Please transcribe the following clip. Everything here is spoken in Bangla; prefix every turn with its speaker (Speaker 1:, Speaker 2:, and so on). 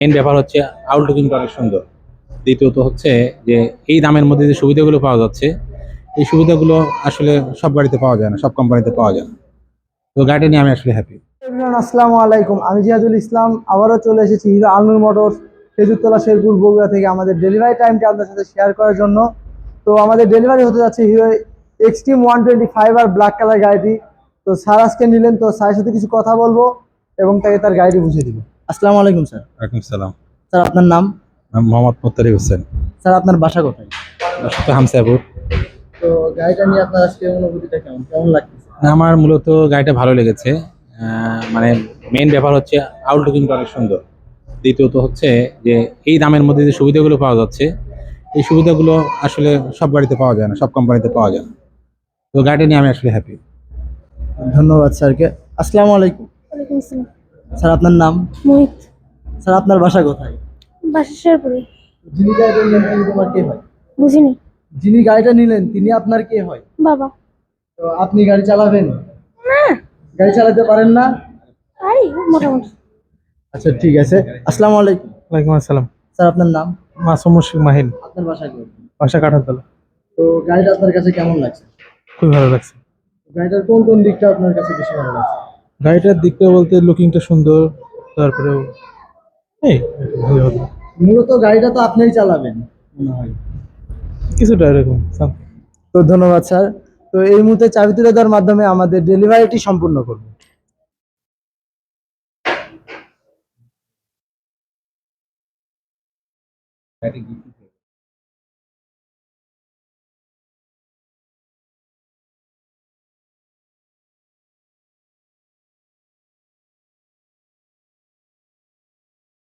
Speaker 1: মেইন ব্যাপার হচ্ছে আউটলুকিংটা অনেক সুন্দর। দ্বিতীয়ত হচ্ছে যে এই দামের মধ্যে যে সুবিধাগুলো পাওয়া যাচ্ছে, এই সুবিধাগুলো আসলে সব গাড়িতে পাওয়া যায় না, সব কোম্পানিতে পাওয়া যায় না। তো গাড়িটা নিয়ে আমি আসলে হ্যাপি।
Speaker 2: এভরিওয়ান, আসসালামু আলাইকুম। আমি জিয়াদুল ইসলাম আবারও চলে এসেছি হিরো আলনুর মোটরস খেজুরতলা শেরপুর বগুড়া থেকে আমাদের ডেলিভারি টাইমটা আপনাদের সাথে শেয়ার করার জন্য। তো আমাদের ডেলিভারি হতে যাচ্ছে হিরো এক্সট্রিম 125 আর ব্ল্যাক কালার গাড়িটি। তো স্যার আজকে নিলেন, তো স্যারের সাথে কিছু কথা বলবো এবং তাকে তার গাড়িটি বুঝিয়ে দিব। আসসালামু আলাইকুম স্যার।
Speaker 1: ওয়ালাইকুম সালাম।
Speaker 2: স্যার আপনার নাম?
Speaker 1: আমি মোহাম্মদ মোত্তারিক হোসেন।
Speaker 2: স্যার আপনার বাসা কোথায়?
Speaker 1: বাসা তো হামসাপুর।
Speaker 2: তো গাড়িটা নিয়ে আপনার আজকে অনুভূতিটা কেমন কেমন লাগতেছে?
Speaker 1: আমার মূলত গাড়িটা ভালো লেগেছে। মানে মেইন ব্যাপার হচ্ছে আউটলুকিংটা অনেক সুন্দর। দ্বিতীয়ত হচ্ছে যে এই দামের মধ্যে যে সুবিধাগুলো পাওয়া যাচ্ছে, এই সুবিধাগুলো আসলে সব গাড়িতে পাওয়া যায় না, সব কোম্পানিতে পাওয়া যায় না। তো গাড়িটা নিয়ে আমি আসলে হ্যাপি।
Speaker 2: ধন্যবাদ স্যারকে। আসসালামু আলাইকুম।
Speaker 3: ওয়ালাইকুম আসসালাম।
Speaker 2: স্যার আপনার নাম?
Speaker 3: মোহিত।
Speaker 2: স্যার আপনার বাসা কোথায়?
Speaker 3: বাসা শেরপুরে।
Speaker 2: যিনি গাড়িটা নিলেন তিনি তোমার কে হয়?
Speaker 3: বুঝিনি।
Speaker 2: যিনি গাড়িটা নিলেন তিনি আপনার কে হয়?
Speaker 3: বাবা।
Speaker 2: তো আপনি গাড়ি চালাবেন?
Speaker 3: না।
Speaker 2: গাড়ি চালাতে পারেন না?
Speaker 3: আই মোটামুটি।
Speaker 2: আচ্ছা ঠিক আছে। আসসালামু আলাইকুম।
Speaker 4: ওয়ালাইকুম আসসালাম।
Speaker 2: স্যার আপনার নাম?
Speaker 4: মাসুম মুশফিক মাহিন।
Speaker 2: আপনার বাসা কোথায়?
Speaker 4: বাসা কাঠারতলা।
Speaker 2: তো গাড়িটা আপনার কাছে কেমন লাগছে?
Speaker 4: খুবই ভালো লাগছে।
Speaker 2: গাড়িটার কোন কোন দিকটা আপনার কাছে বেশি ভালো লাগছে?
Speaker 4: গাড়িটার দিকটা বলতে লুকিংটা সুন্দর, তারপরেও এই ভালো ভালো
Speaker 2: মূলত গাড়িটা তো আপনিই চালাবেন মনে হয়।
Speaker 4: কিছুটা এরকম
Speaker 2: তো ধন্যবাদ স্যার। তো এই মুহূর্তে চাবি তুলে দেওয়ার মাধ্যমে আমাদের ডেলিভারিটি সম্পূর্ণ করব।